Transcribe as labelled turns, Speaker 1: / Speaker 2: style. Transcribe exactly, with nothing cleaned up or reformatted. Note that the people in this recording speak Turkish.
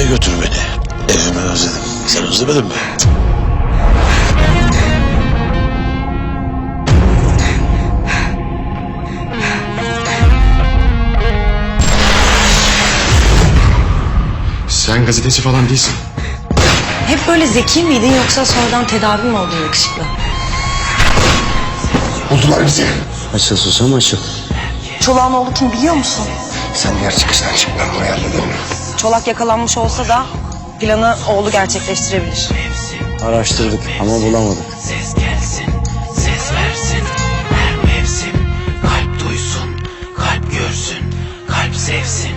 Speaker 1: götür beni. Evime özledim. Sen özlemedin mi?
Speaker 2: Sen gazeteci falan değilsin.
Speaker 3: Hep böyle zeki miydin yoksa sonradan tedavi mi oldun yakışıklı?
Speaker 2: Buldular bizi.
Speaker 4: Açıl susam açıl.
Speaker 3: Çolak'ın oğlu kim biliyor musun?
Speaker 2: Sen diğer çıkıştan çık, ben buraya hallederim.
Speaker 3: Çolak yakalanmış olsa da planı oğlu gerçekleştirebilir.
Speaker 4: Araştırdık ama bulamadık.
Speaker 5: Ses gelsin, ses versin her mevsim. Kalp duysun, kalp görsün, kalp sevsin.